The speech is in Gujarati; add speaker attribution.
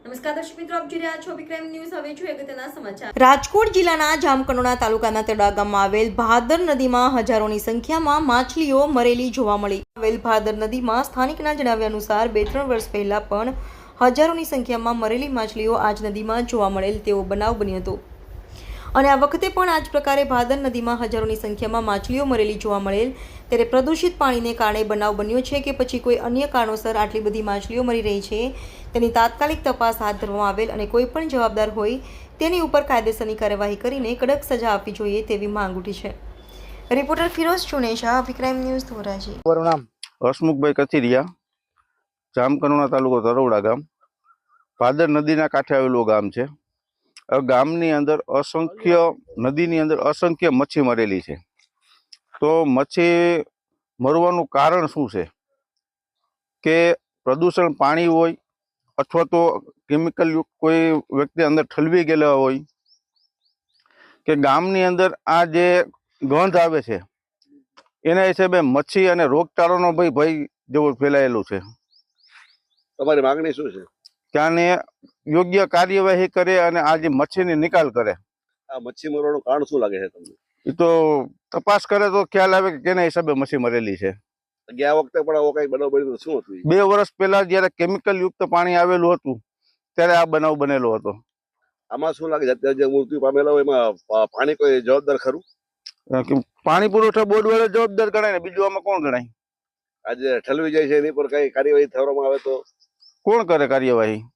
Speaker 1: નમસ્કાર દર્શક મિત્રો, આપ જોઈ રહ્યા છો વિક્રમ ન્યૂઝ. હવે જોઈએ અગત્યના સમાચાર.
Speaker 2: રાજકોટ જિલ્લાના જામકંડોરણા તાલુકાના તેડા ગામમાં આવેલ ભાદર નદીમાં હજારોની સંખ્યામાં માછલીઓ મરેલી જોવા મળી. આવેલ ભાદર નદીમાં સ્થાનિકના જણાવ્યા અનુસાર 2-3 વર્ષ પહેલા પણ હજારોની સંખ્યામાં મરેલી માછલીઓ આ જ નદીમાં જોવા મળેલ તેવો બનાવ બન્યો હતો અને આ વખતે પણ આ જ પ્રકારે ભાદર નદીમાં હજારોની સંખ્યામાં માછલીઓ મરેલી જોવા મળેલ. ત્યારે પ્રદૂષિત પાણીને કારણે બનાવ બન્યો છે કે પછી કોઈ અન્ય કારણોસર આટલી બધી માછલીઓ મરી રહી છે તેની તાત્કાલિક તપાસ હાથ ધરવામાં આવેલ અને કોઈ પણ જવાબદાર હોય તેની ઉપર કાયદેસરની કાર્યવાહી કરીને કડક સજા આપવી જોઈએ તેવી માંગ ઉઠી છે. Reporter Firoz Chunesha, Vikram news, Dhoraji.
Speaker 3: મારું નામ હસમુખભાઈ કથિરિયા, જામકંડોરણા તાલુકો તરોડા ગામ, ભાદર નદીના કાંઠે આવેલું ગામ છે. ગામની અંદર નદીની અંદર અસંખ્ય મચ્છી મરેલી છે. તો મચ્છી મરવાનું કારણ શું છે કે પ્રદૂષણ પાણી હોય અથવા તો કેમિકલ યુક્ત કોઈ વ્યક્તિ અંદર ઠલવી ગયેલા હોય કે ગામની અંદર આ જે ગંધ આવે છે એના હિસાબે મચ્છી અને રોગચાળાનો ભય જેવું ફેલાયેલું છે.
Speaker 4: તમારી માંગણી શું છે?
Speaker 3: ત્યાંને યોગ્ય કાર્યવાહી કરે અને આ જે મચ્છીની નિકાલ કરે.
Speaker 4: આ મચ્છી મરવાનું કારણ શું લાગે છે તમને?
Speaker 3: એ તો તપાસ કરે તો ખ્યાલ આવે કે કેના હિસાબે મચ્છી મરેલી છે.
Speaker 4: ગયા વખતે પણ આવો કઈ બનાવ બન્યો શું હતું?
Speaker 3: 2 વર્ષ પહેલા જયારે કેમિકલ યુક્ત પાણી આવેલું હતું ત્યારે આ બનાવ બનેલો હતો.
Speaker 4: આમાં શું લાગે છે અત્યારે જે મૃત્યુ પામેલા હોય એમાં પાણી કોઈ જવાબદાર ખરું?
Speaker 3: પાણી પુરવઠા બોર્ડ વાળા જવાબદાર ગણાય ને બીજું આમાં કોણ ગણાય?
Speaker 4: આજે ઠલવી જાય છે એની પર કઈ કાર્યવાહી થવામાં આવે તો
Speaker 3: કોણ કરે કાર્યવાહી?